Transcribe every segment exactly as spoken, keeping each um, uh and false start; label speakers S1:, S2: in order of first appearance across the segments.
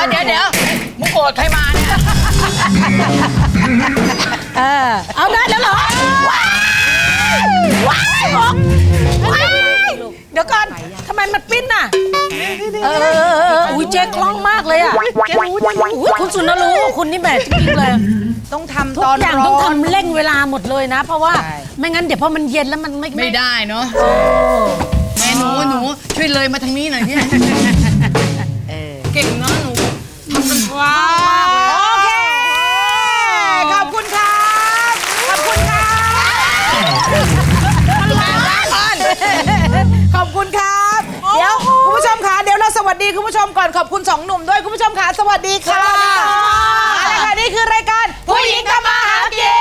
S1: เดี๋ยวเดี๋ยวมึงโกรธใครมาเนี่ย
S2: เออเอาได้แล้วเหรอว้ายว้ายว้ายเดี๋ยวก่อนทำไมมันปิ้นน่ะเอออุ้ยเจ๊คล่องมากเลยอ่ะเจ๊รู้อุ้ยคุณสุนทรรู้คุณนี่แหมจริงๆเลย
S3: ต้องทำ
S2: ทุ
S3: ต
S2: ก
S3: อน
S2: อย่าง
S3: ร้
S2: ต้อง
S3: อน
S2: ทำเร่งเวลาหมดเลยนะ เพราะว่าไม่งั้นเดี๋ยวพอมันเย็นแล้วมันไม่
S1: ไม่ได้เนาะแม่หนูหนูช่วยเลยมาทางนี้หน่อยพี่เก่งเนาะหนูทำเป็นว้า
S3: โอเคขอบคุณครับขอบคุณครับขอบคุณครับเดี๋ยวคุณผู้ชมคะเดี๋ยวเราสวัสดีคุณผู้ชมก่อนขอบคุณสองหนุ่มด้วยคุณผู้ชมคะสวัสดีค่ะมาเลยค่ะนี่คือรายการผู้หญิงทำมาหากิน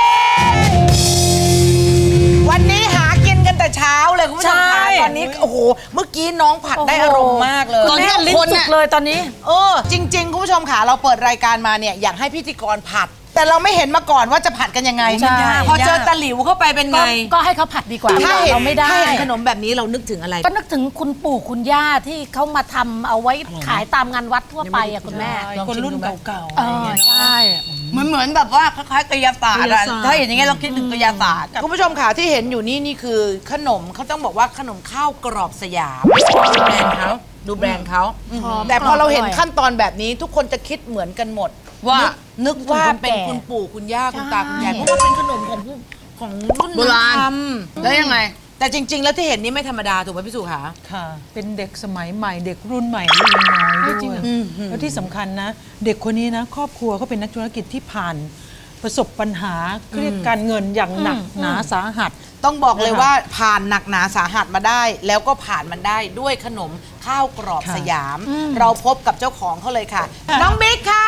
S3: วันนี้หากินกันแต่เช้าเลยคุณผู้ชมคะตอนนี้โอ้โหเมื่อกี้น้องผัดได้อารมณ์มากเลย
S2: ตอนนี้ลิ้นจุกเลยตอนนี้
S3: เออจริงๆคุณผู้ชมค่ะเราเปิดรายการมาเนี่ยอยากให้พิธีกรผัด แต่เราไม่เห็นมาก่อนว่าจะผัดกันยังไงพอเจอตะหลิวเข้าไปเป็นไง
S2: ก็ให้เขาผัดดีกว่า
S3: ถ้าเห็น
S2: เราไม่ได้
S3: ถ้าเห็นขนมแบบนี้เรานึกถึงอะไร
S2: ก็นึกถึงคุณปู่คุณย่าที่เขามาทำเอาไว้ขายตามงานวัดทั่วไปอะคุณแม่
S3: คนรุ่นเก่า
S2: เออใช่
S1: เหมือนเหมือนแบบว่าคล้ายๆกายศาสตร์อะถ้าเห็นอย่างงี้เราคิดถึงกายศาสตร์
S3: คุณผู้ชมค่ะที่เห็นอยู่นี่นี่คือขนมเขาต้องบอกว่าขนมข้าวกรอบสยามดูแบรนด์เขาดูแบรนด์เขาแต่พอเราเห็นขั้นตอนแบบนี้ทุกคนจะคิดเหมือนกันหมดว่านึกว่าเป็นคุณปู่คุณย่าคุณตาคุณยายเพราะว่าเป็นขนมของผู้ของรุ่น
S1: โบราณ
S3: ท
S1: แล้วยังไง
S3: ำแต่จริง ๆ แล้วที่เห็นนี่ไม่ธรรมดาถูกไหมพี่สุขา
S4: ค่ะ เป็นเด็กสมัยใหม่เด็กรุ่นใหม่รุ่นน้อยด้วยแล้วที่สำคัญนะ เด็กคนนี้นะ ครอบครัวเขาเป็นนักธุรกิจที่ผ่านประสบปัญหาเรียกการเงินอย่างหนักหนาสาหัส
S3: ต้องบอกเลยว่าผ่านหนักหนาสาหัสมาได้ แล้วก็ผ่านมันได้ด้วยขนมข้าวกรอบ
S4: ค่ะ
S3: สยาม เราพบกับเจ้าของเขาเลยค่ะ น้องบิ๊กค่ะ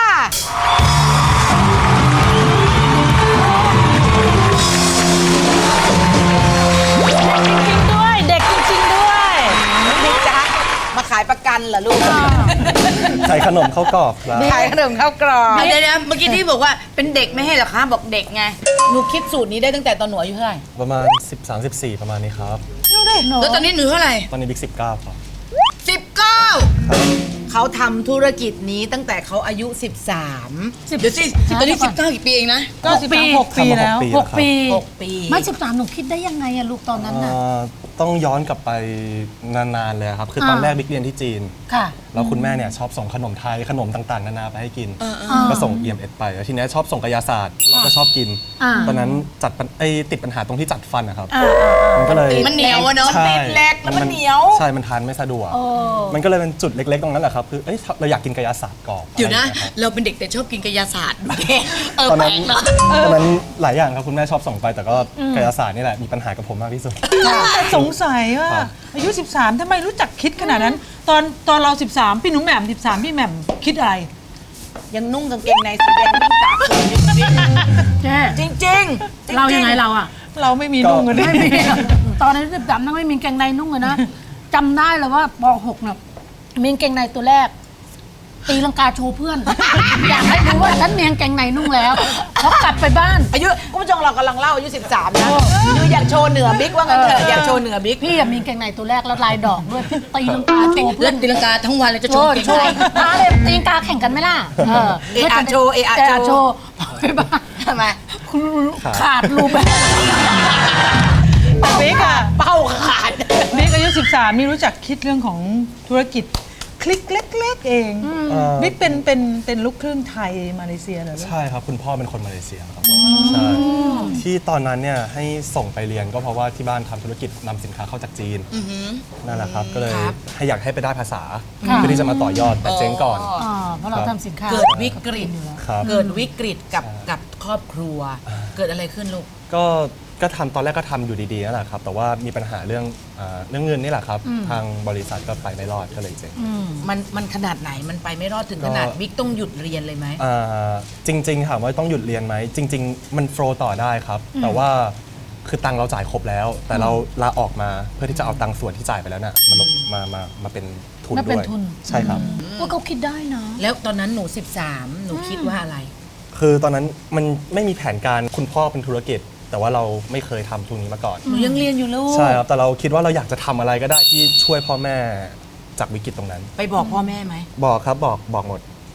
S2: ด้วยเด็กจริงๆด้วย
S3: บิ๊กจ๊ะมาขายประกันเหรอลูก
S5: ใส่ขนมข้าวกรอบครับ
S3: ขายขนมข้าวกรอบ
S1: เดี๋ยวๆเมื่อกี้ที่บอกว่าเป็นเด็กไม่ให้เหรอคะบอกเด็กไง
S3: หนูคิดสูตรนี้ได้ตั้งแต่ตอนหนูอายุเท่าไหร่
S5: ประมาณ สิบสาม สิบสี่ ประมาณนี้ครับ
S1: แล้วตอนนี้หนูเท่าไหร่
S5: ตอนนี้บิ๊กสิบเก้าครับ
S1: สิบเก้า
S3: เขาทำธุรกิจนี้ตั้งแต่เขาอายุ สิบสาม
S1: เดี๋ยวสิตอนนี้สิบเก้ากี่ปีเองนะ
S4: ก็สิบสามหกปีแล้ว
S2: หกปี
S3: หกปี
S2: ไม่สิบสามหนูคิดได้ยังไงอะลูกตอนนั้นน่ะ
S5: เอ่อต้องย้อนกลับไปนานๆเลยครับ คือตอน
S2: อ่า
S5: แรกบิ๊กเรียนที่จีน
S2: ค่ะ
S5: แล้วคุณแม่เนี่ยชอบส่งขนมไทยขนมต่างๆ นานาไปให้กิน ก็ส่ง อี เอ็ม เอส ไปแล้วทีนี้ชอบส่งกายศาสตร์เราก็ชอบกิน
S2: อ่า
S5: ตอนนั้นจัดปัญไอ้ติดปัญหาตรงที่จัดฟันนะครับ
S2: อ่า
S5: มันก็เลย
S1: มันเหนียวอะเนาะ
S5: ใช่
S3: ติดเหล็กแล้วมันเหนียว
S5: ใช่ มันทานไม่สะดวก มันก็เลยเป็นจุดเล็กๆ ตรงนั้นแหละครับ คือเอ้ยเราอยากกินกายศาสตร์กรอบ
S1: เดี๋ยวนะ
S5: อไรางงี้
S1: เราเป็นเด็กแต่ชอบกินกายศาสตร์ดูดิเออ
S5: ตอน
S1: แปล
S5: นั้น
S1: กเนาะ
S5: ตอนนั้นหลายอย่างครับคุณแม่ชอบส่งไป แต่ก็กายศาสตร์นี่แหละมีปัญหากับผมมากที่สุด
S4: แต่สงสัยว่า
S5: ครับ
S4: อายุ สิบสาม ทำไมรู้จักคิดขนาดนั้น ตอนตอนเรา สิบสาม พี่หนุ่มแหม่มสิบสาม พี่แหม่มคิดอะไร
S3: ยังนุ่งกางเกงในสีแดงนุ่งตากฝนอยู่บิ๊ก
S2: เจ๊
S3: จริงๆจริงๆ
S2: เรายังไงเราอะ
S4: เราไม่มีนุ่งกันด้วย
S2: ไม่มีตอนนั้นสิบสามนั่งไม่มีกางเกงในนุ่งเลยนะจำได้เลยว่าปหกเนี่ยมีกางเกงในตัวแรก ตีลังกาโชว์เพื่อน อยากให้รู้ว่าฉันมีกางเกงในนุ่งแล้วแล้วกลับไปบ้าน
S3: อายุคุณผู้ชมเรากำลังเล่าอายุ สิบสาม นะคืออยากโชว์เหนือบิ๊กว่างั้นเถอะอยากโชว์เหนือบิ๊ก
S2: พี่อะมีกางเกงในตัวแรกแล้วลายดอกด้วยพี่ตีลังกาโชว์เพื่
S1: เล่
S2: อน
S1: นตีลังกาทั้งวันเลยจะ
S2: โช
S1: โชว์
S2: ว์
S1: เก่ง
S2: โชว์
S1: ใจ
S2: มาเลยตีลังกาแข่งกันไหมล่ะเออ
S3: เอะอะโชว์เอะอะ
S2: เอะ
S3: โช
S2: โช
S3: ว์
S2: ว์ไปบ้าน
S3: ทำไม
S2: ขาดรูปแบบ
S4: แต่บิ๊กอะ
S3: เป้าขาด
S4: บิ๊กอายุ สิบสาม นี่รู้จักคิดเรื่องของธุรกิจคลิกเล็กๆเอง
S5: เอ่อ
S4: บิ๊กเป็นเป็นเป็นลูกครึ่งไทยมาเลเซียเหรอ
S5: ใช่ครับ คุณพ่อเป็นคนมาเลเซียครับใช่ที่ตอนนั้นเนี่ยให้ส่งไปเรียนก็เพราะว่าที่บ้านทำธุรกิจนำสินค้าเข้าจากจีนนั่นแหละครับ ก็เลยให้อยากให้ไปได้ภาษาเพื่อที่จะมาต่อยอดแต่เจ๊งก่อน
S2: อ่าเพราะเราทำสินค้า
S3: เกิดวิกฤต
S5: ครับ
S3: เกิดวิกฤตกับกับครอบครัว เกิดอะไรขึ้นลูก
S5: ก็ก็ทำตอนแรกก็ทำอยู่ดีๆนั่นแหละครับ แต่ว่ามีปัญหาเรื่องอ่าเรื่องเงินนี่แหละครับ ทางบริษัทก็ไปไม่รอดก็เลยเจ๊ง
S3: มันมันขนาดไหนมันไปไม่รอดถึงขนาด
S5: ก็
S3: บิ๊กต้องหยุดเรียนเลยไหม
S5: อ่าจริงๆถามว่าต้องหยุดเรียนไหมจริง ๆ มันโฟลว์ต่อได้ครับ แต่ว่าคือตังค์เราจ่ายครบแล้ว แต่เราลาออกมาเพื่อที่จะเอาตังค์ส่วนที่จ่ายไปแล้วน่ะมาลงมามามาเป็นทุน
S2: มาเป็
S5: ด้
S2: น
S5: วย
S2: ทุน
S5: ใช่ครับ
S2: ว่าเขาคิดได้นะ
S3: แล้วตอนนั้นหนู สิบสาม หนูคิดว่าอะไร
S5: คือตอนนั้นมันไม่มีแผนการคุณพ่อเป็นธุรกิจ แต่ว่าเราไม่เคยทำทุนนี้มาก่อน
S3: หนูยังเรียนอยู่ลูก
S5: ใช่ครับ แต่เราคิดว่าเราอยากจะทำอะไรก็ได้ที่ช่วยพ่อแม่จากวิกฤตตรงนั้น
S3: ไปบอกพ่อแม่ไหม
S5: บอกครับบอกบอกหมด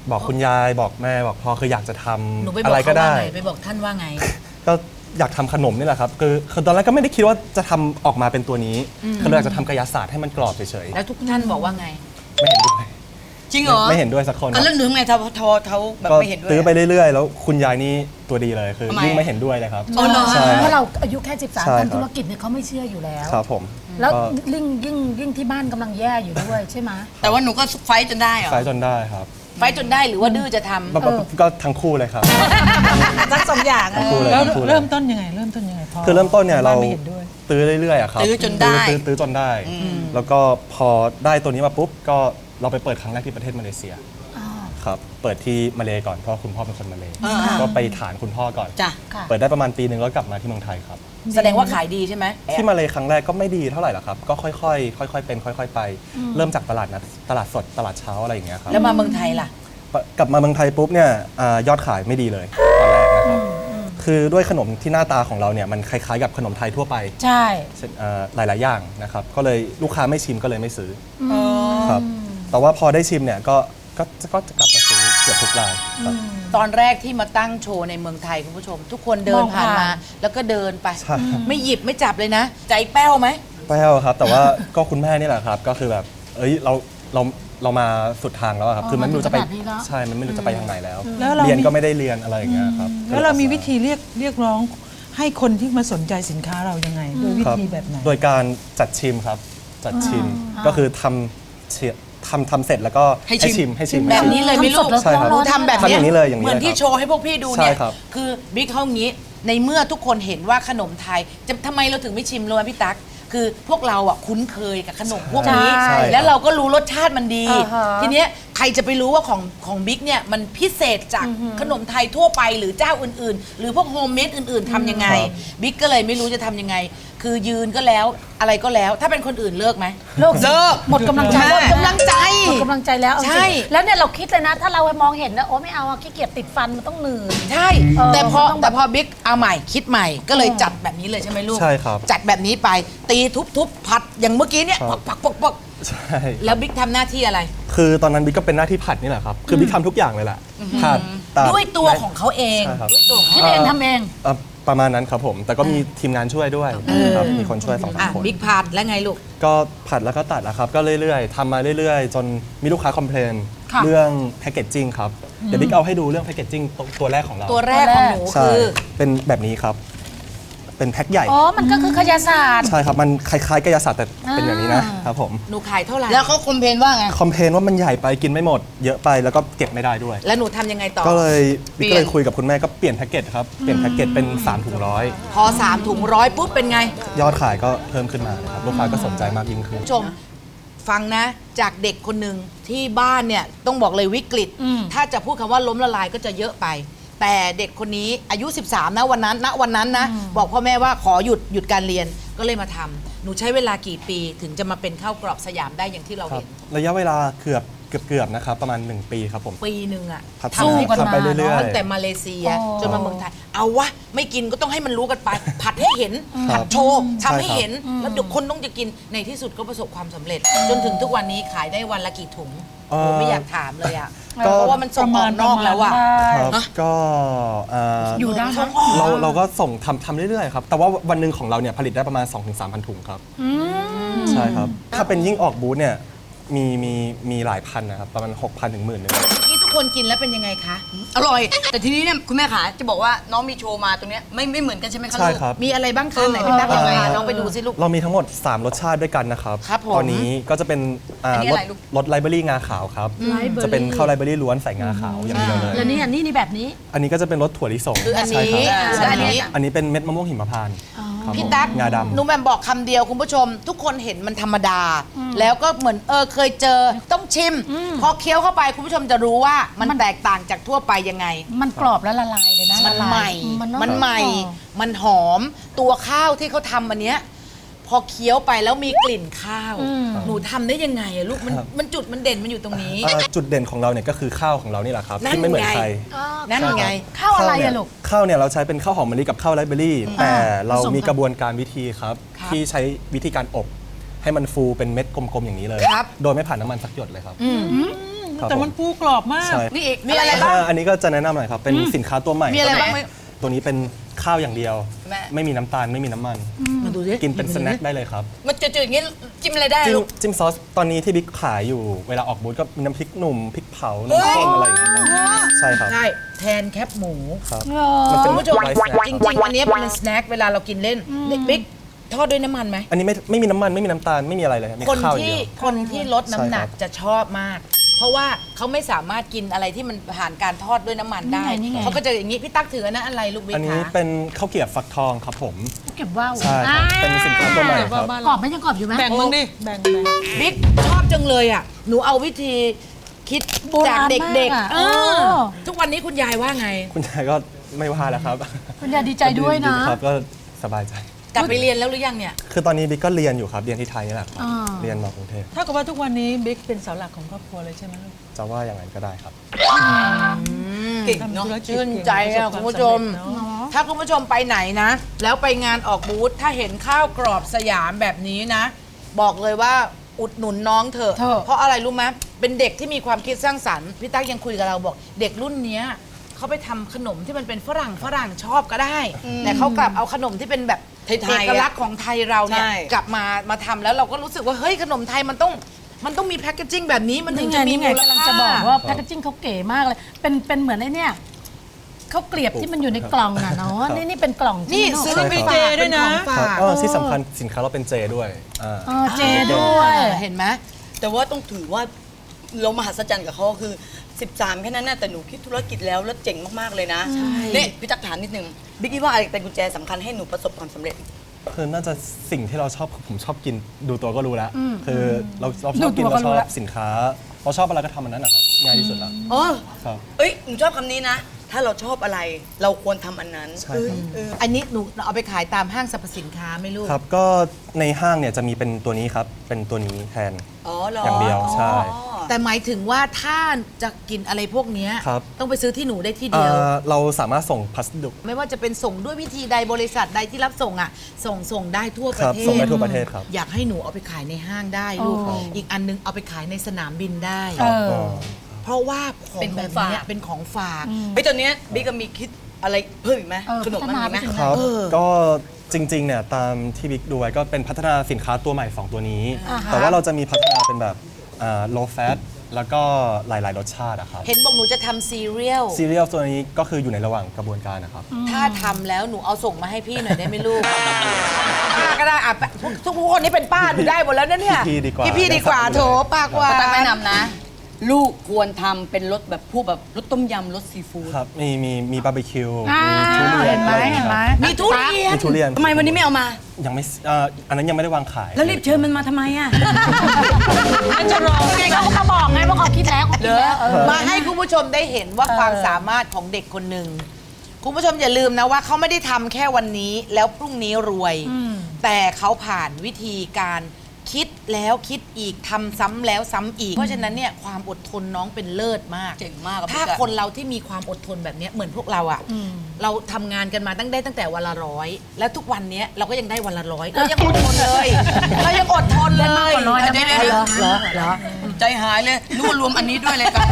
S5: บอกคุณยายบอกแม่บอกพ่อคืออยากจะท
S3: หนูไป
S5: ำ
S3: บอ
S5: อะ
S3: ก
S5: ไรก็
S3: เขาว่า
S5: ได้
S3: ไงไปบอกท่านว่าไง
S5: ก็อยากทำขนมนี่แหละครับคือคือตอนแรกก็ไม่ได้คิดว่าจะทำออกมาเป็นตัวนี้คือเราอยากจะทำกายศาสตร์ให้มันกรอบเฉย
S3: แล้วทุกท่านบอกว่าไง
S5: ๆไม่เห็นด้วย
S1: จริงเหรอ
S5: ไม่เห็นด้วยสักคน
S1: อ่ะแล้วหนูทำไงเขาเขาเขาแบบ
S5: ก็
S1: ไม่เห็นด้วย
S5: ตื้อไป
S1: อะ
S5: เรื่อยๆ แล้วคุณยายนี่ตัวดีเลยคือ
S1: ทำไม
S5: ยิ่งไม่เห็นด้วยเลยครับ
S1: อ๋อเหรอ
S5: ใช่
S2: เพราะเราอายุแค่สิบสาม
S5: ใช่ครับ
S2: ทำธุรกิจเนี่ยเขาไม่เชื่ออยู่แล้ว
S5: ครับผม
S2: แล้ว
S5: ก็
S2: ยิ่งยิ่งยิ่งที่บ้านกำลังแย่อยู่ด้วยใช่ไหม
S1: แต่ว่าหนูก็ไฟท์จนได้เหรอ
S5: ไฟจนได้ครับ
S3: ไฟจนได้หรือว่าดื้อจะทำ
S5: ก็ก็ทั้งคู่เลยครับ
S2: ทั้งสองอย่าง
S5: ทั้งคู่เลย
S4: แล้ว
S5: ทั้งคู่เลย
S4: เริ่มต้นยังไง เริ่มต้นยังไงพอ
S5: คือเริ่มต้นเนี่ยเรา
S4: ไม่เห็นด้วย
S5: ตื้อเรื่อยๆอะครับ
S1: ตื้อจนได้
S5: ตื้อตื้อจนได้ แล้วก็พอได้ตัวนี้มาปุ๊บก็เราไปเปิดครั้งแรกที่ประเทศมาเลเซียครับเปิดที่มาเลก่อนเพราะคุณพ่อเป็นคนมาเล
S1: อ่า
S5: ก็ไปฐานคุณพ่อก่อน
S1: จ้ะ
S5: เปิดได้ประมาณปีหนึ่งแล้วกลับมาที่เมืองไทยครับ
S3: แสดงว่าขายดีใช่ไหม
S5: ที่มาเลครั้งแรกก็ไม่ดีเท่าไหร่หรอกครับ ก็ค่อยๆ ค่อยๆ เป็นค่อย ๆ ไป เริ่มจากตลาดนัดตลาดสดตลาดเช้าอะไรอย่างเงี้ยครับ
S3: แล้วมาเมืองไทยล่ะ
S5: กลับมาเมืองไทยปุ๊บเนี่ยอายอดขายไม่ดีเลยตอนแรกนะครับ คือด้วยขนมที่หน้าตาของเราเนี่ยมันคล้ายๆกับขนมไทยทั่วไป
S2: ใช่
S5: เช่นเอ่อหลายๆอย่างนะครับ ก็เลยลูกค้าไม่ชิมก็เลยไม่ซื้ออครับ แต่ว่าพอได้ชิมเนี่ยก็ก็ก็จะกลับมาซื้อเกือบทุกรายครับ
S3: ตอนแรกที่มาตั้งโชว์ในเมืองไทยคุณผู้ชม ทุกคนเดิน
S2: มอง
S3: ผ่าน
S2: ผ่าน
S3: มา แล้วก็เดินไป
S5: ใช่
S3: ไม่หยิบไม่จับเลยนะ ใจแป้วไหม
S5: แป้วครับ แต่ว่าก็คุณแม่นี่แหละครับ ก็คือแบบเอ้ยเราเราเรามาสุดทางแล้วอะครับ คือมันไม่รู้จะไป
S2: มาถึงขนาดนี้แล้ว
S5: ใช่มันไม่รู้จะไปทางไหนแล้ว
S4: แล้วเรา
S5: เรียน
S4: มี
S5: ก็ไม่ได้เรียนอะไรอย่างเงี้ยครับ
S4: แล้วเรามีวิธีเรียกเรียกร้องให้คนที่มาสนใจสินค้าเรายังไงโดยวิ
S5: ครับ
S4: ธีแบบไหน
S5: โดยการจัดชิมครับ จัดชิมก็คือทำเชียทำทำเสร็จแล้วก็
S1: ให้ชิม
S5: ชิมให้ชิม
S3: แบบ
S5: ให้ชิม
S3: นี้เลยไหม่ลูก
S5: ใช่ครับ
S3: หนูทำแบบ
S5: ทำอย่างนี้เลยอย่างนี้
S3: เหมือน
S5: เลย
S3: ที่
S5: ครับ
S3: โชว์ให้พวกพี่ดูเนี่ย
S5: ใช่ครับ
S3: คือบิ๊กเขาอย่างนี้ ในเมื่อทุกคนเห็นว่าขนมไทยจะทำไมเราถึงไม่ชิมเลยพี่ตั๊กคือพวกเราอ่ะคุ้นเคยกับขนมพวกนี้
S2: ใช่
S3: แล้วเราก็รู้รสชาติมันดี
S2: อ่าฮะ
S3: ทีเนี้ยใครจะไปรู้ว่าของของบิ๊กเนี่ยมันพิเศษจากขนมไทยทั่วไปหรือเจ้าอื่นๆ หรือพวกโฮมเมดอื่นๆทำยังไง
S5: ครับ
S3: บิ๊กก็เลยไม่รู้จะทำยังไง คือยืนก็แล้วอะไรก็แล้ว ถ้าเป็นคนอื่นเลิกไหม
S2: เลิก
S1: เลิก
S2: หมดกำลังใจ
S3: หมดกำลังใจ
S2: หมดกำลังใจแล้วเอาจริง
S3: ใช่
S2: แล้วเนี่ยเราคิดเลยนะ ถ้าเรามองเห็นนะโอ้ไม่เอาอะขี้เกียจติดฟันมันต้องเหนื่อย
S3: ใช่
S2: เออ
S3: แต่พอ
S2: มันต้องแบบ
S3: แต่พอบิ๊กเอาใหม่คิดใหม่ก็เลยจัดแบบนี้เลยใช่ไหมลูก
S5: ใช่ครับ
S3: จัดแบบนี้ไปตีทุบๆผัดอย่างเมื่อกี้เนี่ย
S5: ครับ
S3: ปักปักปัก
S5: ใช่
S3: แล้วบิ๊กทำหน้าที่อะไร
S5: คือตอนนั้นบิ๊กก็เป็นหน้าที่ผัดนี่แหละครับ คือบิ๊กทำทุกอย่างเลยแหละผัดตัด
S3: ด้วยตัวของเขาเอง
S5: ใช่ครับ
S3: ด้วยตัวของ
S2: คิด
S3: เขา
S2: เองทำเอง
S5: เอ่อประมาณนั้นครับผม แต่ก็มีทีมงานช่วยด้วยครับมีคนช่วยสองสา
S3: อ่ะ
S5: มคน
S3: บิ๊กผัดแล้วไงลูก
S5: ก็ผัดแล้วก็ตัดนะครับ ก็เรื่อยๆทำมาเรื่อยๆ จนมีลูกค้าคอมเพลน
S2: ค่ะ
S5: เรื่องแพคเกจจิ้งครับ เดี๋ยวบิ๊กเอาให้ดูเรื่องแพคเกจจิ้งตัวแรกของเรา
S3: ตัวแรกของหนู
S5: ใช่
S3: คือ
S5: เป็นแบบนี้ครับ เป็นแพ็คใหญ่
S2: อ๋อ มันก็คือขยะศาสตร์
S5: ใช่ครับ มันคล้ายๆกายศาสตร์แต่เป็นอย่างนี้นะครับผม
S3: หนูขายเท่าไหร่
S1: แล้วเขาคอมเพลนว่าไง
S5: คอมเพลนว่ามันใหญ่ไปกินไม่หมด เยอะไปแล้วก็เก็บไม่ได้ด้วย
S3: แล้วหนูทำยังไงต่อ
S5: ก็เลย
S1: เปลี่
S5: บิ๊ก
S1: ยน
S5: ก็เลยคุยกับคุณแม่ก็เปลี่ยนแพ็กเกจครับ เปลี่ยนแพ็กเกจเป็นสามถุงร้อย
S3: พอสามถุงร้อยปุ๊บเป็นไง
S5: ยอดขายก็เพิ่มขึ้นมานะครับ ลูกค้าก็สนใจมากยิ่งขึ้น
S3: คุณผู้ชมฟังนะจากเด็กคนหนึ่งที่บ้านเนี่ยต้องบอกเลยวิกฤต ถ้าจะพูดคำว่าล้มละลายก็จะเยอะไป แต่เด็กคนนี้อายุ สิบสาม นะวันนั้นณวันนั้นนะบอกพ่อแม่ว่าขอหยุดหยุดการเรียนก็เลยมาทำหนูใช้เวลากี่ปีถึงจะมาเป็นข้าวกรอบสยามได้อย่างที่เรา
S5: ครับ
S3: เห็น
S5: ระยะเวลาเกือบเกือบเกือบนะครับ ประมาณ หนึ่ง ปีครับผม
S3: ปีหนึ่งอะ
S5: พัฒ
S3: ทำให้
S5: นา
S3: คน
S5: ทำไปเรื่อย
S3: ตั้งแต่มาเลเซีย
S2: อ๋อ
S3: จนมาเมืองไทย เอาวะ ไม่กินก็ต้องให้มันรู้กันไป ผัดให้เห็น ผัดโชว์ทำให้เห็น แล้วเดี๋ยวคนต้องจะกินในที่สุดก็ประสบความสำเร็จ จนถึงทุกวันนี้ขายได้วันละกี่ถุง
S5: เอ่อ
S3: โอ้ไม่อยากถามเลยอะ
S5: ก็
S3: เพราะว่ามันส่งออกนอกแล้วอะ
S5: ๆครับก็เอ่อ
S2: อยู่ได้
S3: ส่งออก
S5: เราเราก็ส่งทำทำเรื่อยๆครับ แต่ว่าวันหนึ่งของเราเนี่ยผลิตได้ประมาณ สองถึงสามพัน ถุงครับใช่ครับ ถ้าเป็นยิ่งออกบูธเนี่ยมีมีมีหลายพันนะครับ ประมาณ หกพัน ถึงหมื่นหนึ่ง
S3: ที่ทุกคนกินแล้วเป็นยังไงคะ
S1: อร่อย แต่ทีนี้เนี่ยคุณแม่ขาจะบอกว่าน้องมีโชว์มาตรงเนี้ยไม่ไม่เหมือนกันใช่ไหมคะ
S5: ใช่
S1: ลูก
S5: ครับ
S3: มีอะไรบ้างคะไหนพี่ตั๊กยังไงอะน้องไปดูสิลูก
S5: เรามีทั้งหมด สาม รสชาติด้วยกันนะครับ
S3: ครับผม
S5: ตอนนี้ก็จะเป็นอ่า
S1: อันนี้
S5: ร
S1: อะไร
S5: ส
S1: ลูก
S5: รสไลเบอรี่งาขาวครับ จะเป็นข้าวไลเบอรี่ล้วนใส่งาขาวอย่างเดียวเลย
S2: แล้วนี่อันนี้นี่แบบนี้
S5: อันนี้ก็จะเป็นรสถั่วลิสง
S3: คืออันนี้
S5: ใช่ครับ
S3: และอันนี้
S5: อันนี้เป็นเม็ดมะม่วงหิมพานต์ครับ
S3: พี่
S5: ผม
S3: ตั๊ก
S5: งาดำ
S3: หนูแหม่มบอกคำเดียวคุณผู้ชม ทุกคนเห็นมันธรรมดา แล้วก็เหมือนเออเคยเจอต้องชิม พอเคี้ยวเข้าไปคุณผู้ชมจะรู้ว่ามันแตกต่างจากทั่วไปยังไง
S2: มันกรอบแล้วละลายเลยนะ
S3: มัน
S2: ละลาย
S3: ใหม่
S2: มัน
S3: มันใหม่ มันหอม ตัวข้าวที่เขาทำอันเนี้ยพอเคี้ยวไปแล้วมีกลิ่นข้าว หนูทำได้ยังไงอะลูก มันมันจุดมันเด่นมันอยู่ตรงนี้
S5: เอ่อจุดเด่นของเราเนี่ยก็คือข้าวของเรานี่แหละครับ
S3: นั่น
S5: ที่ไม่เหมือน
S3: ไง
S5: ใคร
S3: นั่นไง
S2: ข้าวอะไร
S5: เนี่
S2: อะ
S5: ย
S2: ลูก
S5: ข้าวเนี่ยเราใช้เป็นข้าวหอมมะลิกับข้าวไรซ์เบอรี่ แต่เรา
S2: ผสมกัน
S5: มีกระบวนการวิธีครับ
S3: ครับ
S5: ที่ใช้วิธีการอบให้มันฟูเป็นเม็ดกลมๆอย่างนี้เลย
S3: ครับ
S5: โดยไม่ผ่านน้ำมันสักหยดเลยครับ
S3: อืม
S5: คครับ
S4: แต่มันปูกรอบมาก
S5: ใช่
S1: นี่อีก
S3: มีอะไรบ้าง
S5: อ่าอันนี้ก็จะแนะนำหน่อยครับ เป็นสินค้าตัวใหม่
S3: มีอะไรบ้างไหม
S5: ตัวนี้เป็นข้าวอย่างเดียว
S1: แม่
S5: ไม่มีน้ำตาลไม่มีน้ำมัน
S3: มาดูสิ
S5: กินเป็นสแน็คได้เลยครับ
S1: มันจืดๆอย่างนี้จิ้มอะไรได้
S5: จิ้ม
S1: ลูก
S5: จิ้มซอสตอนนี้ที่บิ๊กขายอยู่เวลาออกบูธก็มีน้ำพริกหนุ่มพริกเผาน้ำส้มอะไรอย่างเงี้ยครับใช่ครับ
S3: ใช่ แทนแคปหมู
S5: ครับมันเป็น
S3: คุณผู้ชม
S5: ไลฟ์สแน็ค
S3: จริงๆ อันนี้เป็นสแน็คเวลาเรากินเล่นบิ๊กทอดด้วยน้ำมันไหม
S5: อันนี้ไม่ไม่มีน้ำมันไม่มีน้ำตาลไม่มีอะไรเลยครับมี
S3: คน
S5: ข้าวอย่าง
S3: ที่
S5: เดียว
S3: คนที่ลดน้ำหนัก
S5: ใช่ครับ
S3: จะชอบมาก เพราะว่าเขาไม่สามารถกินอะไรที่มันผ่านการทอดด้วยน้ำมันได้
S2: นี่ไงนี่ไง
S3: เขาก็จะอย่างนี้ พี่ตั๊กถือนะอะไรลูกบิ๊ก
S5: อันนี้
S3: คะ
S5: เป็นข้าวเกรี๊ยวฟักทองครับผม
S2: เก็บว่าว
S5: ใช่ครับเป็นสินค้าตัวใหม่ครับ
S2: กรอบไหมยังกรอบอยู่ไหม
S4: แบ่งมึงดิ แบ่งแบ่ง
S3: บิ๊กชอบจังเลยอ่ะหนูเอาวิธีคิด
S2: โบราณ
S3: จากเด็ก
S2: มากอะ
S3: ๆเอ
S2: เอ
S3: อ
S2: อ
S3: ทุกวันนี้คุณยายว่าไง
S5: คุณยายก็ไม่ว่าแล้วครับ
S2: คุณยายดีใจด้วยนะ
S5: ครับก็สบายใจ
S3: กลับไปเรียนแล้วหรือยังเนี่ย
S5: คือตอนนี้บิ๊กก็เรียนอยู่ครับเรียนที่ไทยนี่แหละครับ
S2: อ่า
S5: เรียนมากรุงเทพ
S4: ถ้ากับว่าทุกวันนี้บิ๊กเป็นเสาหลักของครอบครัวเลยใช่ไหมลูก
S5: จะว่าอย่างนั้นก็ได้ครับ
S3: เก่ง
S4: ทำ
S3: เนาะ
S4: ธุรกิจ
S3: ชื่นใจ
S4: เก่
S3: อ่ะ
S4: ง
S3: คุณผู้
S4: ประ
S3: ช
S4: สบ
S3: ม
S4: ความสำเร็จเนอะ
S3: ถ้าคุณผู้ชมไปไหนนะ แล้วไปงานออกบูธถ้าเห็นข้าวกรอบสยามแบบนี้นะ บอกเลยว่าอุดหนุนน้องเถอะ
S2: เถอะ
S3: เพราะอะไรรู้ไหมเป็นเด็กที่มีความคิดสร้างสรรค์พี่ตั๊กยังคุยกับเราบอก เด็กรุ่นเนี้ยเขาไปทำขนมที่มันเป็นฝรั่งฝรั่งชอบก็ได้ แต่เขากลับเอาขนมที่เป็นแบบ
S1: ไทยๆ
S3: เอกลักษณ์ของไทยเราเนี่ย
S1: ใช่
S3: กลับมามาทำแล้วเราก็รู้สึกว่าเฮ้ยขนมไทยมันต้องมันต้องมีแพคเกจจิ้งแบบนี้มันถึง
S2: นี่ไง
S3: จะมี
S2: นี่ไง
S3: มูล
S2: กำลัง
S3: ค่า
S2: จะบอกว่าแพคเกจจิ้งเขาเก๋มากเลย เป็นเป็นเหมือนไอ้เนี่ยข้าวเกลียบที่มันอยู่ในกล่องน่ะเนาะ นี่นี่เป็นกล่อง
S3: นี่
S2: จริงๆ
S3: ซื้อ
S2: เนอะ
S3: ไป
S5: ใช่ครับ
S3: เจด้วยนะของ
S5: ครั
S3: ฝา
S5: บ
S3: ก
S5: เออที่สำคัญสินค้าเราเป็นเจด้วยอ่า
S2: เออเจด้วย
S3: เห็นไหม
S1: แต่ว่าต้องถือว่าเรามหัศจรรย์กับเขาคือ สิบสาม แค่นั้นนะแต่หนูคิดธุรกิจแล้วแล้วเจ๋งมาก ๆ เลยนะนี่พี่ตักถามนิดนึงบิ๊กคิดว่าอะไรเป็นกุญแจสำคัญให้หนูประสบความสำเร็จ
S5: คือน่าจะสิ่งที่เราชอบผมชอบกินดูตัวก็รู้แล้ว คือเราเราช
S2: ดู
S5: อบกิน
S2: ตัวก็
S5: เราช
S2: รู้
S5: อบ
S2: แล้ว
S5: สินค้า เราชอบอะไรก็ทำอันนั้นนะครับง่ายที่สุดแล้ว
S1: อ๋อ
S5: ครับ
S1: เอ้ยหนูชอบคำนี้นะ ถ้าเราชอบอะไรเราควรทำอันนั้น
S5: ใช่ครับ
S1: เออ
S3: อันนี้หนูเอาไปขายตามห้างสรรพสินค้าไหม่ลูก
S5: ครับก็ในห้างเนี่ยจะมีเป็นตัวนี้ครับ เป็นตัวนี้แทน
S1: อ๋อเหรอ
S5: อย่างเดียวใช่
S1: อ๋อ
S3: แต่หมายถึงว่าถ้าจะกินอะไรพวกเนี้ย
S5: ครับ
S3: ต้องไปซื้อที่หนูได้ที่
S5: เอ่
S3: เดียว
S5: อเราสามารถส่งพัสดุ
S3: ไม่ว่าจะเป็นส่งด้วยวิธีใดบริษัทใดที่รับส่งอ่ะ ส่งส่งได้ทั่วป
S5: ค
S3: ระ
S5: รับ
S3: เท
S5: ส่ง
S3: ศ
S5: ได้ทั่วประเทศครับ
S3: อยากให้หนูเอาไปขายในห้างได้ลูก
S2: อ๋อ
S3: อีกอันนึงเอาไปขายในสนามบินได้
S2: เออ
S5: อ๋อ
S3: เพราะว่าของ
S1: เป็นข
S3: แบ
S1: อง
S3: บ
S1: ฝาก
S3: เนี้ยเป็นของฝาก
S1: ไอ้ยตอนเนี้ยบิ๊กก็มีคิดอะไรเพิ่มอีกไหม
S2: เออ
S1: ขนมมันมีไหม
S2: พัฒนาไปถึง
S5: ครับ
S3: เออ
S5: ก็จริงๆเนี่ยตามที่บิ๊กดูไว้ก็เป็นพัฒนาสินค้าตัวใหม่สองตัวนี้
S3: อ่าฮะ
S5: แต่ว่าเราจะมีพัฒนาเป็นแบบอ่า low fat แล้วก็หลายๆรสชาติอะครับ
S3: เห็นบอกหนูจะทำซีเรียล
S5: ซีเรียลตัวนี้ก็คืออยู่ในระหว่างกระบวนการนะครับ
S3: ถ้าทำแล้วหนูเอาส่งมาให้พี่หน่อยได้ไหมลูก ป้าก็ได้อ่ะทุกทุกคนนี้เป็นป้าหนูได้หมดแล้วนะเนี่ย
S5: พี่ๆดีกว่า
S3: พี่ๆดีกว่าโถป้ากว่า
S1: ตักแนะนำนะ ลูกควรทำเป็นรสแบบพวกแบบรสต้มยำรสซีฟู้ด
S5: ครับ มีมีมีบาร์บีคิว
S2: อ่า
S5: มีทุเรียน
S2: เห็นไหม
S5: อะไรอย่าง
S2: เห็นไหม
S5: งี้ย
S1: มีทุเรีย
S5: คน รับมีทุเรียน
S1: ทำไมวันนี้ไม่เอามา
S5: ยังไม่เอ่ออันนั้นยังไม่ได้วางขาย
S1: แล้วรีบเชิญมันมาทำไมอ่ะ
S2: น่าจะรอไงเขาก็บอกไงว่าเขาคิดแล้วเขาคิดแล้วเออ
S3: มาให้คุณผู้ชมได้เห็นว่าความสามารถของเด็กคนหนึ่งคุณผู้ชมอย่าลืมนะว่าเขาไม่ได้ทำแค่วันนี้แล้วพรุ่งนี้รวย แต่เขาผ่านวิธีการคิดแล้วคิดอีกทำซ้ำแล้วซ้ำอีก เพราะฉะนั้นเนี่ยความอดทนน้องเป็นเลิศมาก
S1: เจ๋งมากอะ
S3: ถ้า
S1: พี่อะ
S3: คนเราที่มีความอดทนแบบเนี้ยเหมือนพวกเราอะเราทำงานกันมาตั้งได้ตั้งแต่วันละร้อยแล้วทุกวันเนี้ยเราก็ยังได้วันละร้อยเรายังอดทนเลยเรายังอดทนเลย
S2: ได้มากกว่าร้อยนะ
S1: เดี๋ยว
S2: แม่
S1: เดี๋ยว
S2: เหรอเหรอ
S1: ใจหายเลยนึกว่ารวมอันนี้ด้วยเลยกัน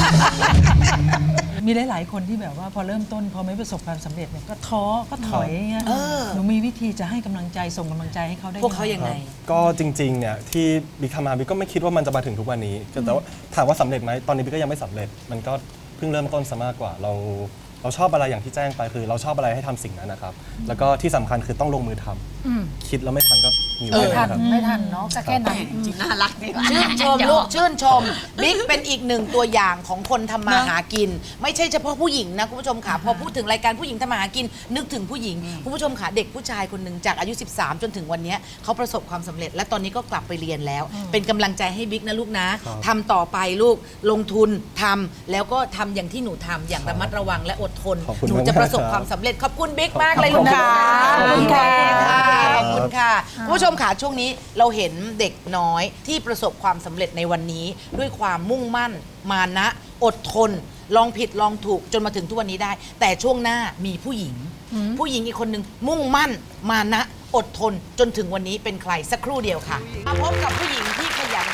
S4: มีหลาย ๆ คนที่แบบว่าพอเริ่มต้นพอไม่ประสบความสำเร็จเนี่ยก็ท้อก็ถอยอย่างเงี้ย
S3: เออ
S4: หนูมีวิธีจะให้กำลังใจส่งกำลังใจให้เขาได้
S3: พวกเขายังไง
S5: ก็จริงๆเนี่ยที่บิ๊กทำมาบิ๊กก็ไม่คิดว่ามันจะมาถึงทุกวันนี้แต่ว่าถามว่าสำเร็จไหมตอนนี้บิ๊กก็ยังไม่สำเร็จ มันก็เพิ่งเริ่มต้นซะมากกว่าเราเราชอบอะไรอย่างที่แจ้งไปคือ เราชอบอะไรให้ทำสิ่งนั้นนะครับ แล้วก็ที่สำคัญคือต้องลงมือทำคิดแล้วไม่ทำก็มี
S2: ไม่
S5: ไว้
S2: ทัน
S5: นะครับ
S2: ไม่ทันเนาะก็แค่นั้น
S1: จริงน่ารักดี
S3: ชื่นชมลูกชื่นชมบิ๊กเป็นอีกหนึ่งตัวอย่างของคนทำมาหากิน ไม่ใช่เฉพาะผู้หญิงนะคุณผู้ชมค่ะพอพูดถึงรายการผู้หญิงทำมาหากิน นึกถึงผู้หญิงคุณผู้ชมค่ะเด็กผู้ชายคนหนึ่งจากอายุ สิบสาม จนถึงวันนี้เขาประสบความสำเร็จ และตอนนี้ก็กลับไปเรียนแล้ว เป็นกำลังใจให้บิ๊กนะลูกนะครับ ทำต่อไปลูกลงทุนทำแล้วก็ทำอย่างที่หนูทำอย่างระมัดระวังและอดทน
S5: ขอบคุณ
S3: หนู
S5: มาก
S3: จะประสบ
S5: ครับ
S3: ความสำเร็จขอบคุณบิ๊กมากเลยลูกค่ะ
S2: ขอบคุณค่ะ
S3: ขอบคุณค่ะคุณผู้ชมค่ะช่วงนี้เราเห็นเด็กน้อยที่ประสบความสำเร็จในวันนี้ ด้วยความมุ่งมั่น มานะอดทน ลองผิดลองถูกจนมาถึงทุกวันนี้ได้ แต่ช่วงหน้ามีผู้หญิง ผู้หญิงอีกคนหนึ่งมุ่งมั่น มานะอดทนจนถึงวันนี้เป็นใครสักครู่เดียวค่ะมาพบกับผู้หญิงที่ขยันทำมาหา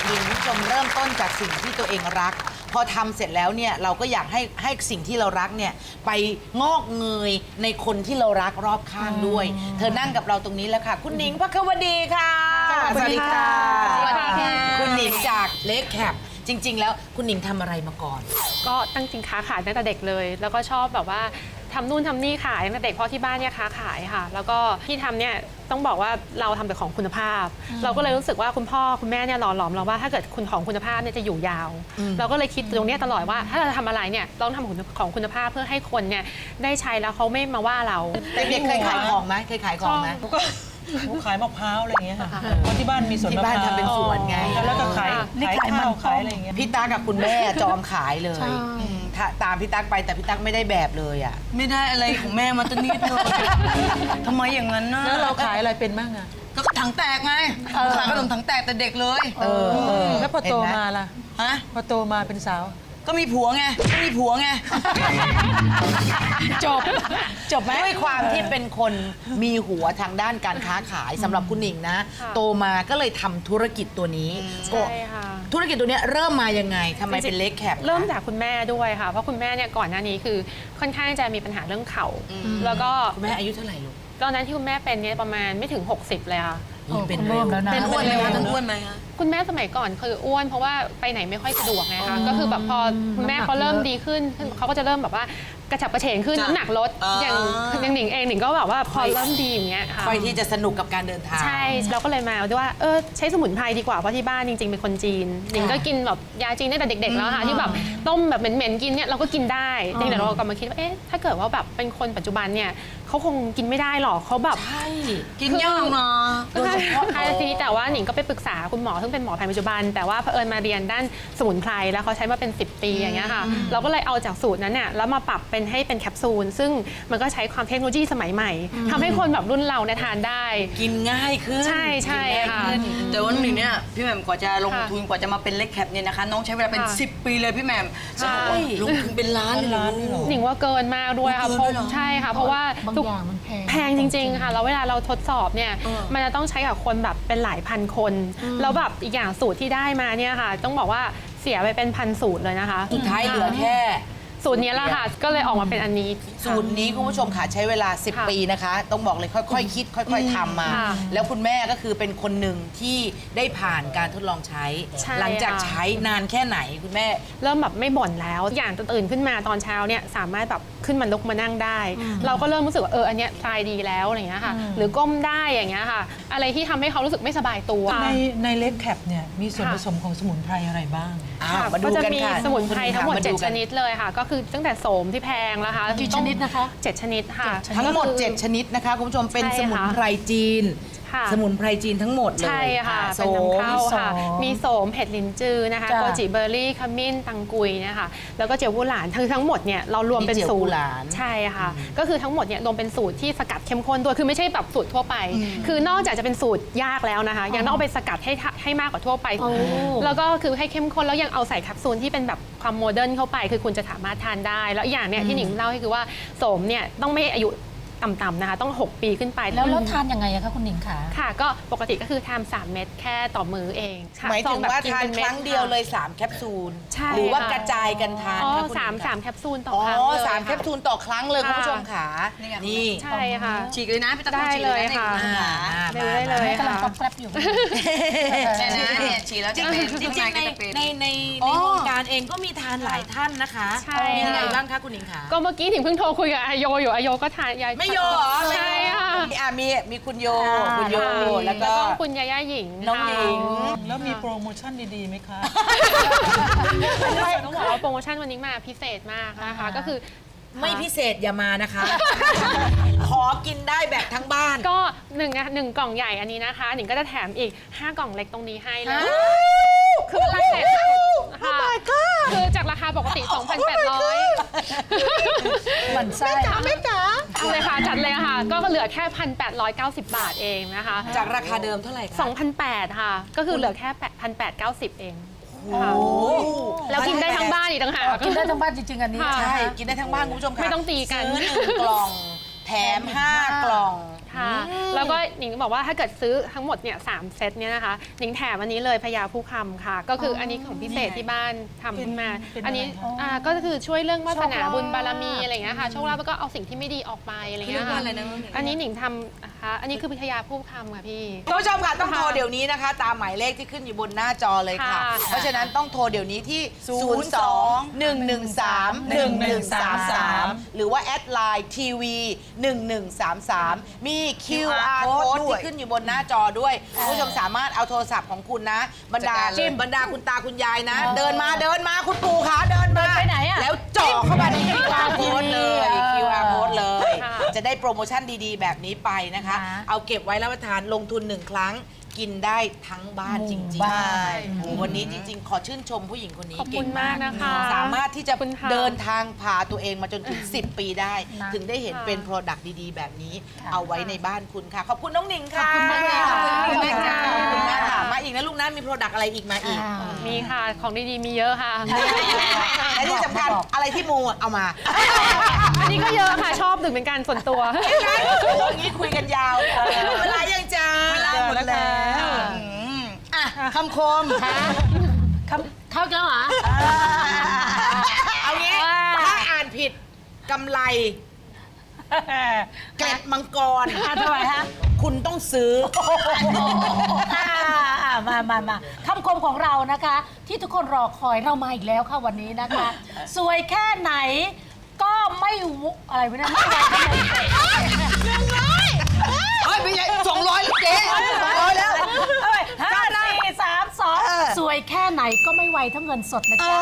S3: ดีคุณผู้ชมเริ่มต้นจากสิ่งที่ตัวเองรัก พอทำเสร็จแล้วเนี่ยเราก็อยากให้ให้สิ่งที่เรารักเนี่ยไปงอกเงยในคนที่เรารักรอบข้างด้วย เธอนั่งกับเราตรงนี้แล้วค่ะ คุณหนิงพควดีค่ะ
S2: สวัสดีค่ะ
S3: สวัสดีค่ะคุณหนิงจากเล็กแคปจริง ๆ แล้วคุณหนิงทำอะไรมาก่อน
S6: ก็ตั้งจริงค้าขายตั้งแต่เด็กเลย แล้วก็ชอบแบบว่าทำนู่นทำนี่ขายตั้งแต่เด็กเพราะที่บ้านเนี่ยค้าขายค่ะ แล้วก็ที่ทำเนี่ยต้องบอกว่าเราทำแต่ของคุณภาพ เราก็เลยรู้สึกว่าคุณพ่อคุณแม่เนี่ยหล่อหลอมเราว่าถ้าเกิดคุณของคุณภาพเนี่ยจะอยู่ยาว เราก็เลยคิดตรงเนี้ยตลอดว่าถ้าเราจะทำอะไรเนี่ยต้องทำของของคุณภาพเพื่อให้คนเนี่ยได้ใช้แล้วเขาไม่มาว่าเรา
S3: เด็กๆเคยขายของไหมเคยขายของไหม
S4: ก็หนูขายมะพร้าวอะไรอย่างเงี้ยค่ะเพราะที่บ้านมีสวน
S3: ที่
S4: มะพ
S3: บ้าน
S4: ร้าว
S3: ทำเป็นสวนไง
S4: แล้วก็ขายขายข้าวขายอะไรอย่างเงี้ย
S3: พี่ตั๊กกับคุณแม่จอมขายเลยอืมถ้าตามพี่ตั๊กไปแต่พี่ตั๊กไม่ได้แบบเลยอ่ะ
S1: ไม่ได้อะไรของแม่มาตั้งนิดเลยทำไมอย่างนั้นนะ
S4: แล้วเราขายอะไรเป็นบ้างอะ
S1: ก็ถังแตกไงขายขนมถังแตกแต่เด็กเลย
S3: เออเออ
S4: แล้วพอโตมาล่ะ
S1: ฮะ
S4: พอโตมาเป็นสาว
S1: ก็มีผัวไงก็มีผัวไง
S3: จบ จบไหมด้วยความที่เป็นคนมีหัวทางด้านการค้าขายสำหรับคุณหนิงนะ
S6: ค่ะ
S3: โตมาก็เลยทำธุรกิจตัวนี้
S6: ใช่ค่ะ
S3: ธุรกิจตัวเนี้ยเริ่มมายังไงทำไมเป็นเล็กแคป
S6: เริ่มจากคุณแม่ด้วยค่ะ เพราะคุณแม่เนี่ยก่อนหน้านี้คือค่อนข้างจะมีปัญหาเรื่องเข่า แล้วก็
S3: คุณแม่อายุเท่าไหร่ลูก
S6: ตอนนั้นที่คุณแม่เป็นเนี่ยประมาณไม่ถึง หกสิบ เลยค่ะ
S3: เป็นเร็วแล้วนะ
S1: เป็นอ้วนไหมคะเป็นอ้วนไหมคะ
S6: คุณแม่สมัยก่อนคืออ้วนเพราะว่าไปไหนไม่ค่อยสะดวกไงคะก็คือแบบพอคุณแม่เขาเริ่มดีขึ้นเขาก็จะเริ่มแบบว่ากระฉับกระเฉงขึ้น
S1: จ้ะ
S6: น้ำหนักลด
S1: อ่า
S6: อย่างอย่างหนิงเองหนิงก็แบบว่าพอเริ่มดีอย่างเงี้ยค่ะ
S3: ค่อยที่จะสนุกกับการเดินทาง
S6: ใช่เราก็เลยมาด้วยว่าเออใช้สมุนไพรดีกว่าเพราะที่บ้านจริงๆเป็นคนจีนหนิงก็กินแบบยาจีนตั้งแต่เด็กๆแล้วค่ะที่แบบต้มแบบเหม็นๆกินเนี่ยเราก็กินได้จริงๆแต่เราก็มาคิดว่าเอ๊ะถ้าเกิดว่าแบบเป็นคนปัจจุบันเนี่ยเขาคงกินไม่ได้หรอกเขาแบบ
S3: ใช่
S1: กินยากนะ
S6: ใช่ใช่ทีนี้แต่ว่าหนิงก็ไปปรึกษาคุณหมอซึ่งเป็นหมอแผนปัจจุบัน แต่ว่าเผอิญมาเรียนด้านสมุนไพรแล้วเขาใช้มาเป็น สิบ ปีอย่างเงี้ยค่ะเราก็เลยเอาจากสูตรนั้นเนี่ยแล้วมาปรับเป็นให้เป็นแคปซูลซึ่งมันก็ใช้ความเทคโนโลยีสมัยใหม่ทำให้คนแบบรุ่นเราเนี่ยทานได้
S3: กินง่ายขึ้น
S6: ใช่ใช่
S3: กินง่าย
S6: ค่ะ
S3: ขึ้น
S1: แต่วันหนึ่งเนี่ยพี่แหม่มกว่าจะลง
S6: ค่ะ
S1: ทุนกว่าจะมาเป็นเล็กแคปเนี่ยนะคะ น้องใช้เวลาเป็น
S6: ค่ะ
S1: สิบ ปีเลยพี่แหม่ม
S6: ใช่
S1: ลงทุนเป็นล้านเลยเหรอลูก
S6: หนิงว่าเกินมากด้วยค่ะ
S1: เกิน
S6: เพราะ
S1: ด้วยเหรอ
S6: ใช่ค่ะ เพราะว่าทุกอย่างมันแพงแพงจริง ๆ ค่ะแล้วเวลาเราทดสอบเนี่ยมันจะต้องใช้กับคนแบบเป็นหลายพันคนแล้วแบบอีกอย่างสูตรที่ได้มาเนี่ยค่ะ ต้องบอกว่าเสียไปเป็นพันสูตรเลยนะคะ
S3: สุดท้ายเหลือแค่
S6: สูตรนี้แหละค่ะก็เลยออกมาเป็นอันนี้
S3: สูตรนี้คุณผู้ชมค่ะใช้เวลา สิบ
S6: ค่ะ
S3: ปีนะคะ ต้องบอกเลยค่อยๆ คิด ค่อย ๆทำมา
S6: ค่ะ
S3: แล้วคุณแม่ก็คือเป็นคนหนึ่งที่ได้ผ่านการทดลองใช้
S6: ใช่
S3: หลังจาก
S6: ค่ะ
S3: ใช้นานแค่ไหนคุณแม่
S6: เริ่มแบบไม่บ่นแล้วอย่างตื่นขึ้นมาตอนเช้าเนี่ยสามารถแบบขึ้นมาลุกมานั่งได้ เราก็เริ่มรู้สึกว่าเอออันเนี้ยคลายดีแล้วอะไรอย่างเงี้ยค่ะหรือก้มได้อย่างเงี้ยค่ะ อะไรที่ทำให้เขารู้สึกไม่สบายตัว
S4: ในในเล็กแคปเนี่ยมีส่วนผสมของสมุนไพรอะไรบ้าง
S3: อ่ะ
S6: ค่ะ
S3: มาดู
S6: ก็จะ
S3: กัน
S6: มี
S3: ค่ะ
S6: สมุนไพรทั้งหมด
S3: า
S6: เจ็ด
S3: กั
S6: ชนิดเลยค่ะ ก็คือตั้งแต่โสมที่แพงนะคะ
S2: กี่ชนิดนะคะ
S6: เจ็ดชนิดค่ะ
S3: ทั้งหมด
S6: ก็คือ
S3: เจ็ด ชนิดนะคะคุณผู้ชมเป็น
S6: ใช่
S3: ส
S6: ค่ะ
S3: มุนไพรจีน
S6: ค่ะ
S3: สมุนไพรจีนทั้งหมดเลย
S6: ใช่ค่ะ
S3: อ่
S6: เป็น
S3: โสม
S6: นำเข้าค่ะ
S2: โสม
S6: มีโสมเห็ดลินจือนะคะ
S2: จ้ะ
S6: โกจิเบอร์รี่ขมิ้นตังกุยเนี่ยค่ะแล้วก็เจียววูหลานทั้งทั้งหมดเนี่ยเรารวมเป็น
S3: มีเจียว
S6: สู
S3: วู
S6: ตร
S3: หลาน
S6: ใช่ค่ะ ก็คือทั้งหมดเนี่ยรวมเป็นสูตรที่สกัดเข้มข้นด้วยคือไม่ใช่แบบสูตรทั่วไป คือนอกจากจะเป็นสูตรยากแล้วนะคะยังต้องเอาไปสกัดให้ทะให้มากกว่าทั่วไป แล้วก็คือให้เข้มข้นแล้วยังเอาใส่แคปซูลที่เป็นแบบความโมเดิร์นเข้าไป คือคุณจะสามารถทานได้ แล้วอีกอย่างเนี่ยที่หนิงเล่าให้คือว่าโสมเนี่ยต้องไม่อายุต่ำๆนะคะต้องหกปีขึ้นไป
S2: แล้วแล้วทานยังไงอะคะคุณหนิงคะ
S6: ค่ะก็ปกติก็คือทานสามเม็ดแค่ต่อมื้อเองค่ะ
S3: หมายถึง
S6: ซแบบ
S3: ว่า
S6: กิ
S3: ทาน
S6: ป็
S3: ค
S6: ม็
S3: รั้งเดียวเลย
S6: ค่ะ
S3: สาม แคปซูล
S6: ใช่
S3: หรือว่า
S6: ค่ะ
S3: กระจายกันทาน
S6: อ๋อ
S3: คะคุณห
S6: สาม
S3: ญิง
S6: สาม
S3: คะ
S6: แคปซูลต่อ
S3: อ๋อ
S6: ครั้งเลย
S3: สาม
S6: ะ
S3: แคปซูลต่อครั้งเลย
S6: ค่ะ
S3: คุณผู้ชมค่ะ
S1: นี่ไง
S3: นี่
S6: ใช่ค่ะ
S1: ฉีกเลยนะพี่ตะกร้
S6: ได้
S1: ฉีก
S6: เลย
S1: นะ
S6: ค่ะ
S1: นี่
S3: อ่า
S6: ได้เลยเลย
S2: แม่กำลัง
S6: ค่ะ
S2: ก๊อบแกรบอยู่
S1: เนี่ยนะเนี่ยฉีกแล้ว
S3: จ
S1: จะ
S3: ริง
S1: เป็น
S3: ๆจริง
S1: ข้า
S3: ๆ
S1: ใน
S3: ใน
S1: ก็จะเป็น
S3: ในใน
S1: อ๋
S3: ใน
S1: อ
S3: วงการเองก็มีทานหลายท่านนะคะ
S6: ใช่
S3: มีอะไร
S6: ค่ะ
S3: บ้างคะคุณหญิงคะ
S6: ก็เมื่อกี้ถึงเพิ่งโทรคุยกับอาโยอยู่อาโยก็ทานยา
S3: ไม่โยเหรอ
S6: ใช่ค่ะ
S3: มีอ่ะมีมีคุณโย
S6: ค่ะ
S3: คุณโย แล้วก็
S6: คุณยาย่าหญิง
S3: น้องหญิง
S6: ค่ะ
S4: แล้วมีโปรโมชั่นดีๆไหมคะ
S6: ต้องบอกว่าโปรโมชั่นวันนี้มาพิเศษมากนะคะก็คือ
S3: ไม่พิเศษอย่ามานะคะ ขอกินได้แบบทั้งบ้าน
S6: ก็หนึ่งนะหนึ่งกล่องใหญ่อันนี้นะคะหนิงก็จะแถมอีกห้ากล่องเล็กตรงนี้ให้เลยคือราคาค่ะคือจากราคาปกติ สองพันแปดร้อย
S2: เหมือนไส้
S6: ไม่จ๋าเอาเลยค่ะจัดเลยค่ะ ก็เหลือแค่ หนึ่งพันแปดร้อยเก้าสิบ บาทเองนะคะ
S3: จากราคาเดิมเท่าไหร่คะ
S6: สองพันแปดร้อยค่ะ ก็คือเหลือแค่ หนึ่งพันแปดร้อยเก้าสิบ เองค่ะ
S3: โอ้
S6: แล้วกินได้ทั้งบ้านอีกต่างหาก
S2: กินได้ทั้งบ้านจริงๆอันนี้
S6: ค่ะ
S3: ใช่ กินได้ทั้งบ้านคุณผู้ชมค่ะ
S6: ไม่ต้องตีกัน
S3: ซื้อหนึ่งกล่อง แถมห้ากล่อง
S6: ค่ะ แล้วก็หนิงบอกว่าถ้าเกิดซื้อทั้งหมดเนี่ยสามเซตเนี่ยนะคะหนิงแถมอันนี้เลยพญาผู้คำค่ะ ก็คืออันนี้ของพิเศษที่บ้านทำขึ้นมา อันนี้อ่าก็คือช่วยเรื่องวาสนาบุญบารมีอะไรอย่างเงี้ยค่ะโชคลาภแล้วก็เอาสิ่งที่ไม่ดีออกไปอะไรอย่างเงี้ยค่ะอันนี้หนิงทำนะคะอันนี้คือพญาผู้คำค่ะพี่
S3: คุณผู้ชมค่ะต้องโทรเดี๋ยวนี้นะคะ ตามหมายเลขที่ขึ้นอยู่บนหน้าจอเลยค่ะ
S6: ค่ะ
S3: เพราะฉะนั้นต้องโทรเดี๋ยวนี้ที่ ศูนย์ สอง หนึ่ง หนึ่ง สาม หนึ่ง หนึ่ง สาม สาม หรือว่าแอดไลน์ทีวีหนึ่งหนึ่งสามสามมี คิว อาร์ code ที่ขึ้นอยู่บนหน้าจอด้วยคุณผู้ชมสามารถเอาโทรศัพท์ของคุณนะ บรรดาบรรดาคุณตาคุณยายนะ เดินมาเดินมาคุณปู่ขาเดินมา
S2: ไปไหนอะ
S3: แล้วจ่อเข้ามาใน คิว อาร์ code เลย คิว อาร์ code เลย
S6: ค่ะ
S3: จะได้โปรโมชั่นดีๆ แบบนี้ไปนะคะ เอาเก็บไว้รับประทานลงทุนหนึ่งครั้งกินได้ทั้งบ้านจริงๆ
S1: บ้าน
S3: โอ้โหวันนี้จริง ๆ ขอชื่นชมผู้หญิงคนนี้
S6: ขอบ
S3: เก่
S6: คุ
S3: ง
S6: ณ
S3: มาม
S6: าก กนะคะ
S3: สามารถที่จะ
S6: ขอบคุณค่ะ
S3: เดินทางพาตัวเองมาจนถึง สิบ ปีได้ ถึงได้เห็นเป็น Product ดีๆ แบบนี้ เอาไว้ในบ้านคุณค่ะ ขอบคุณน้องหนิงค่ะ ขอบคุณค่ะขอบคุณแม่ค่ะขอบคุณมากค่ะ มาอีกนะลูกนะมี Product อะไรอีกมาอีก
S6: มีค่ะของดีๆมีเยอะค่ะ
S3: และที่สำคัญอะไรที่มูเอามา
S6: อันนี้ก็เยอะค่ะชอบดื่มเป็นการส่วนตัว
S3: อย่างนี้คุยกันยาวเวลายังจ้า
S1: เวลาหมดแล้วอ่ะคำคม
S2: เข้าแล้วเหรอ
S3: เอางี้ถ้าอ่านผิดกำไร เกล็ดมังกร
S2: ทำไมฮะ
S3: คุณต้องซื้อ
S2: อ่าอ่ามามามาคำคมของเรานะคะ ที่ทุกคนรอคอยเรามาอีกแล้วค่ะวันนี้นะคะ สวยแค่ไหนก็ไม่วุอะไรไม่ได้ไม่ไหวทำไม
S3: เฮ้ยไม่ใช่สองร้อยแล้วเจ๊สองร้อยแล้ว
S2: เอาไปห้าสี่สามสองสวยแค่ไหนก็ไม่ไหวเท่าเงินสดนะจ๊ะ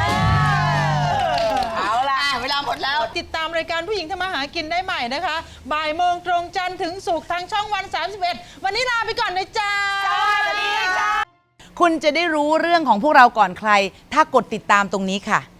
S3: เอาล่ะ
S1: เวลาหมดแล้ว
S4: ติดตามรายการผู้หญิงทำมาหากินได้ใหม่นะคะ บ่ายโมงตรงจันทร์ถึงศุกร์ทางช่องวัน สามสิบเอ็ด วันนี้ลาไปก่อนนะจ๊ะ
S3: คุณจะได้รู้เรื่องของพวกเราก่อนใคร ถ้ากดติดตามตรงนี้ค่ะ